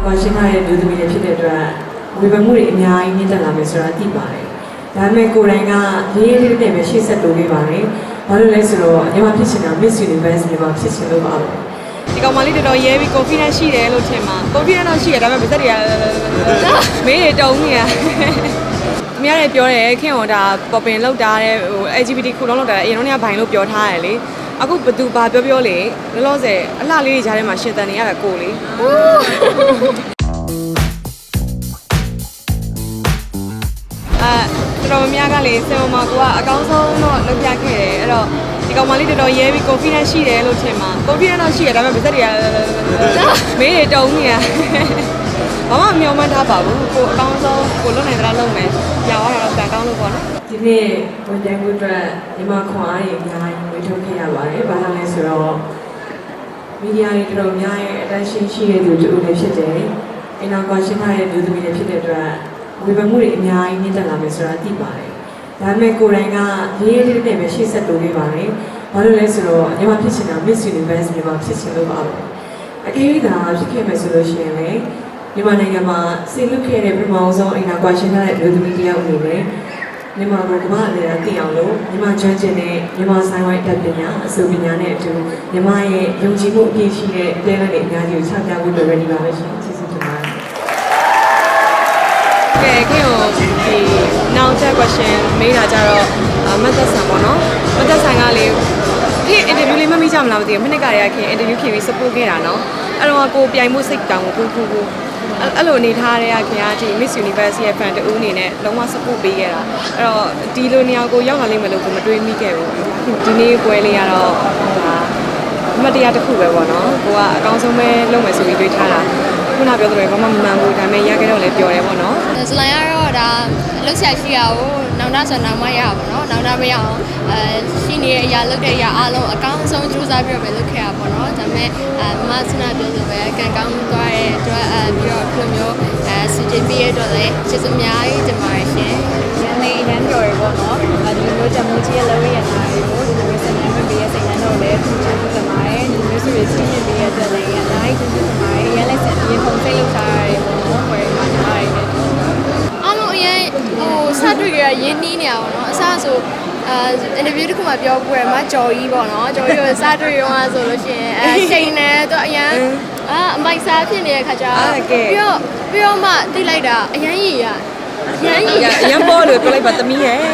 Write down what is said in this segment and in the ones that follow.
ကွာရှင်းထားတဲ့လူသမီးတွေဖြစ်တဲ့အတွက်ဝေဖန်မှုတွေအများကြီးမြင့်တက်လာမယ်ဆိုတာသိပါတယ်။ဒါပေမဲ့ကိုယ်တိုင်ကရေးရေးလေးနဲ့ပဲရှေ့ဆက်တိုးပေးပါတယ်။ဘာလို့လဲဆိုတော့ညီမဖြစ်ချင်တာ Miss Universe ညီမဖြစ်ချင်လို့ပါပဲ။ဒီကောင်မလေးတော်တော်ရဲပြီး confidence ရှိတယ်လို့ထင်မှာ confidence တော့ရှိရဒါပေမဲ့ပါသက်တွေကမေးတွေတုံးနေတာ။အများကြီးပြောတယ်ခင်ဗျာဒါပေါ်ပင်လောက်တာတဲ့ဟို LGBT ခုလုံးလောက်တာအရင်တော့ကဘိုင်လို့ပြောထားတယ်လေ။အခုဘသူဘာပြောလေလောလောဆယ်အလှလေးတွေကြားထဲမှာရှင်တန်နေရတာကိုလေ။တော်များကလေဆင်မကွာအကောင်းဆုံးတော့လုပ်ပြခဲ့တယ်အဲ့တော့ဒီကောင်မလေးတော်တော်ရဲပြီး confidence ရှိတယ်လို့ထင်မှာ confidence တော့ရှိရဒါပေမဲ့ပါသက်တွေကမေးတွေတုံးနေတာဘာမှမမျှော်မှန်းထားပါဘူးကိုအကောင်းဆုံးကိုလွတ်နိုင်သလားလုပ်မယ်ရောင်းရတာတော့ကန်ကောင်းလို့ပေါ့နော်ဒီနေ့ဝန်ထမ်းတွေအတွက်ညီမခွန်အားတွေအများကြီးဝေထုတ်ခဲ့ရပါတယ်ဘာလို့လဲဆိုတော့မီဒီယာတွေတော်တော်များရဲ့ attention ရှိတဲ့သူတို့လည်းဖြစ်တယ်အနောက်ကွာရှင်းထားတဲ့လူသမီးတွေဖြစ်တဲ့အတွက်ဝေဖန်မှုတွေအများကြီးမြင့်တက်လာမယ်ဆိုတာသိပါတယ်။ဒါပေမဲ့ကိုယ်တိုင်ကရေးရေးလေးနဲ့ပဲရှေ့ဆက်တိုးပေးပါတယ်။ဘာလို့လဲဆိုတော့ညီမဖြစ်ချင်တာ Miss Universe ညီမဖြစ်ချင်လို့ပါပဲ။အကယ်၍သာဖြစ်ခဲ့မယ်ဆိုလို့ရှိရင်လည်းမြန်မာနိုင်ငံမှာဆင်လွတ်ခဲ့တဲ့ပထမဆုံးအင်တာကွာရှင်းထားတဲ့လူသမီးတစ်ယောက်အနေနဲ့မြန်မာကိုကမ္ဘာအလယ်အသိအောင်လို့မြန်မာကျွမ်းကျင်တဲ့မြန်မာဆိုင်ဝိုင်းတက်ပညာအစိုးပညာနဲ့အတူမြန်မာရဲ့ယုံကြည်မှုအပြည့်ရှိတဲ့တဲလက်တွေအများကြီးကိုချပြဖို့လိုရနေပါပဲရှင်။ကျေးဇူးတင်ပါတယ်။ကဲခင်ဗျဒီနောက်ချက် question မေးတာကြတော့မတ်သက်ဆန်ပေါ့နော်မတ်သက်ဆန်ကလေခင် interview လေးမမိကြမလားမသိဘူးမိနစ်ကတည်းကခင် interview ခင်ပြီး support ခဲ့တာနော်အဲ့တော့ကိုပြိုင်မှုစိတ်တောင်းကိုအဲ့လိုအနေထားတဲ့ခင်ဗျာဒီ Miss Universe ရဲ့ fan တူအနေနဲ့လုံးဝ support ပေးခဲ့တာအဲ့တော့ဒီလိုနေရာကိုရောက်လာလိမ့်မယ်လို့ကိုမတွေးမိခဲ့ဘူးဒီနေ့ပွဲလေးကတော့အမှတ်တရတစ်ခုပဲပေါ့နော်ကိုကအကောင်းဆုံးပဲလုပ်မယ်ဆိုပြီးတွေးထားတာခုနပြောသလိုဘာမှမမှန်ဘူးဒါပေမဲ့ရခဲ့တော့လည်းပြောတယ်ပေါ့နော်ဇလိုင်းကတော့ဒါလှုပ်ရှားရှိရအောင်နောက်နောက်ဆိုနောက်မှရပါတော့နောက်နောက်မရအောင်ရှိနေတဲ့အရာလုပ်တဲ့အရာအားလုံးအကောင်းဆုံးကြိုးစားပြီးတော့ပဲလုပ်ခဲ့ရပါတော့ဒါပေမဲ့မဆနာပြောဆိုပဲကံကောင်းသွားတဲ့အတွက်ပြီးတော့ဒီလိုမျိုးCJP ရဲ့အတွက်လည်းကျေးဇူးအများကြီးတင်ပါတယ်ရှင်ရန်လေးရန်တော်တွေပေါ့နော်ဒီလိုမျိုးတမိုးကြီးရဲ့လုပ်ရတာတွေကိုဒီလိုမျိုးစနေမပေးရဲ့စိတ်နှံတော့လည်းကျေးဇူးတင်ပါတယ်ဒီလိုမျိုးဆိုရင်စီးရင်ပေးရဲ့အတွက်လည်းအများကြီးကျေးဇူးတင်ပါတယ်ရန်လည်းဆက်ပြီးဖုန်းဖိတ်လုပ်ထားရတယ်ပေါ့နော်ခေါ်ရမှာထားရတယ်အားလုံးအရင်ဟိုစတွေ့ကြရင်းနှီးနေရပါတော့အစားဆိုinterview တစ်ခုမှပြောပွဲမှာကြော်ကြီးပေါ့နော်ကြော်ကြီးကိုစတွေ့ရောဆိုလို့ရှိရင်ရှိန်နေတော့အရင်အမိုက်စားဖြစ်နေတဲ့ခါကျပြီးတော့မှသိလိုက်တာအရင်ကြီးအရင်ပေါ်လို့ပြောလိုက်ပါသမီးရဲ့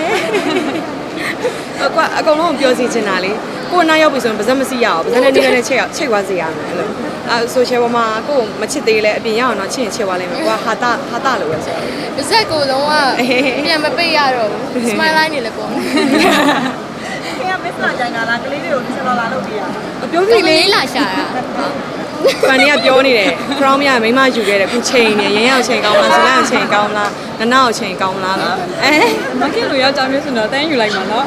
ကွာအကုန်လုံးပြောစီချင်တာလေကိုနားရောက်ပြီဆိုရင်ပါဇက်မစီရအောင်ပါဇက်နဲ့နေနဲ့ချိတ်သွားစေရမယ်အဲ့လိုဆိုရှယ်ပေါ်မှာကိုမချစ်သေးလဲအပြင်ရအောင်တော့ချစ်ရင်ချစ်သွားလိမ့်မယ်ကွာဟာတာလို့ပဲဆိုတော့ပါဇက်ကိုလုံးဝပြန်မပိတ်ရတော့ဘူး smile line နေလည်းပေါ့ခင်ဗျာမစ်လာကြိုင်လာကလေးတွေကိုဆက်လာလုပ်ပြရပြောပြီလေလာရှာတာဖန်နီကပြောနေတယ် crown မြမိမယူခဲ့တယ်ခုချိန်နေရင်းရောက်ချိန်ကောင်းလားဇလန့်ချိန်ကောင်းလားနနောက်ချိန်ကောင်းလားမခင်လိုယောက်ျားမျိုးဆိုတော့တန်းယူလိုက်မှာနော်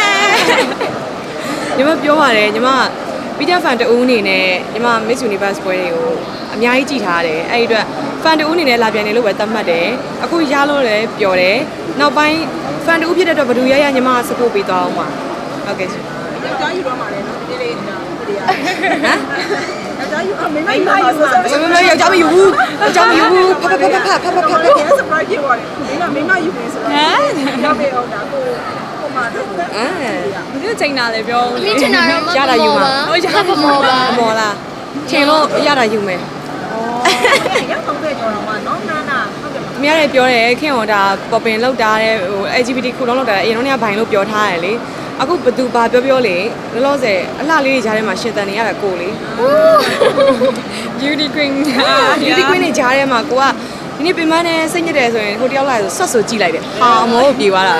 ညီမပြောပါတယ်ညီမပီတာဖန်တူအနေနဲ့ညီမ Miss Universe ပွဲတွေကိုအများကြီးကြည့်ထားတယ်အဲ့ဒီအတွက်ဖန်တူအနေနဲ့လာပြန်နေလို့ပဲသတ်မှတ်တယ်အခုရလို့လည်းပြောတယ်နောက်ပိုင်းဖန်တူဖြစ်တဲ့အတွက်ဘယ်သူရညီမ support ပေးသွားအောင်ပါဟုတ်ကဲ့ရှင်ယောက်ျားယူတော့မှာလေနော်ဒီလေးနေတာဒီရဟမ်ယောက်ျားယူမိမယူဆိုယောက်ျားမယူဘူးယောက်ျားမယူဘူးဖတ် surprise ဖြစ်သွားတယ်မိမယူနေဆိုတော့ရောက်ပြီအောင်ဒါကိုမှာတော့ဒီလိုချိန်တာလေပြောမိချင်တာတော့ရတာယူမှာဟုတ်ရပါမော်လားချိန်လို့ရတာယူမယ်ရောက်တော့ပဲကြော်တော့မှာနော်နာဟုတ်တယ်အများကြီးပြောတယ်ခင်ဗျာဒါပေါ်ပင်လောက်တာတဲ့ဟို LGBT ခုလုံးလောက်တာအရင်တော့ကဘိုင်လို့ပြောထားတယ်လေအခုဘသူဘာပြောလေလောလောဆယ်အလှလေးတွေကြားထဲမှာရှင်တန်နေရတာကိုလေ beauty queen တွေကြားထဲမှာကိုကဒီနေ့ပြင်မနဲ့စိတ်ညစ်တယ်ဆိုရင်ဟိုတယောက်လာဆိုဆွတ်ဆိုကြည့်လိုက်တယ်ဟာအမောပြေသွားတာ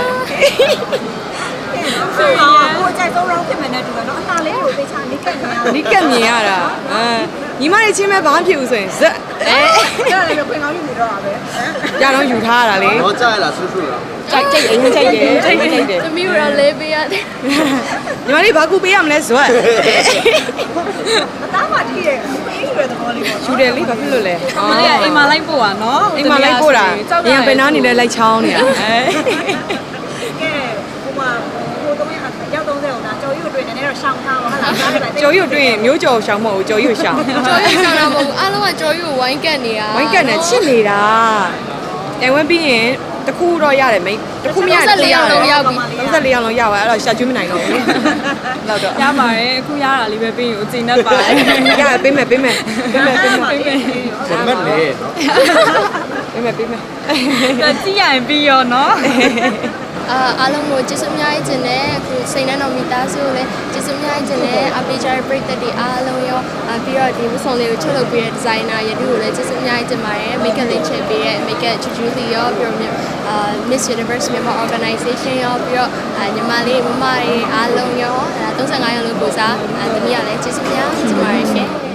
ကိုအကြိုက်ဆုံး round ဖြစ်မယ်နဲ့တူတယ်နော်အလှလေးကိုသိချာနိကတ်မြင်ရတာညီမတွေချင်းမဲ့ဘာမှဖြစ်ဘူးဆိုရင်ဇက်ရတယ်လို့ခွင်ကောင်းယူနေတော့တာပဲရတော့ယူထားရတာလေတော့ကြားရလားဆွဆွလားကြိုက်တယ်သမီးတို့လေးပေးရတယ်ညီမလေးဘာကူပေးရမလဲဇွတ်အသားမှထိရဲ့အေးရွယ်သဘောလေးပေါ့ယူတယ်လေဘာဖြစ်လို့လဲအိမ်မှာလိုက်ပို့တာနော်အိမ်မှာလိုက်ပို့တာညံပင်နာနေလဲလိုက်ချောင်းနေတာကဲဟိုမှာဟိုတော့ရောက်30အောင်ဒါကြော်ရွတ်တွေ့နေတော့ရှောင်းထားပါဟုတ်လားကြော်ရွတ်တွေ့ရင်မျိုးကြော်ရှောင်းမဟုတ်ဘူးကြော်ရွတ်ရှောင်းကြော်ရွတ်ရှောင်းတာမဟုတ်ဘူးအားလုံးကကြော်ကြီးကိုဝိုင်းကတ်နေတာဝိုင်းကန်နဲ့ချစ်နေတာတိုင်ဝမ်ပြီးရင်တစ်ခုတော့ရတယ်မိတစ်ခုမရ34ရောက်လုံးရောက်သွားအဲ့တော့ရှာကျွေးမနိုင်တော့ဘူးလောက်တော့ရပါတယ်အခုရတာလေးပဲပြီးရင်ကိုချိန်တတ်ပါတယ်ရပေးမယ်မတ်လေနော်ပေးမယ်ကြည့်ရရင်ပြီးရောနော်အားလုံးကိုကျေးဇူးအများကြီးတင်တယ်အခုစိန်နှံတော်မိသားစုကိုလည်းကျေးဇူးအများကြီးတင်တယ်အပေးကြတဲ့ပရိသတ်တွေအားလုံးရောပြီးတော့ဒီဝတ်ဆောင်လေးကိုချုပ်လုပ်ပေးတဲ့ဒီဇိုင်နာရတူကိုလည်းကျေးဇူးအများကြီးတင်ပါတယ် make up လေးချက်ပေးတဲ့ make up ချူချူလေးရောပြီးတော့Miss Universe မြန်မာ organization ရောပြီးတော့ညီမလေးမမတွေအားလုံးရော35ရောက်လို့ကိုစားသမီးကလည်းကျေးဇူးများတင်ပါတယ်ရှင်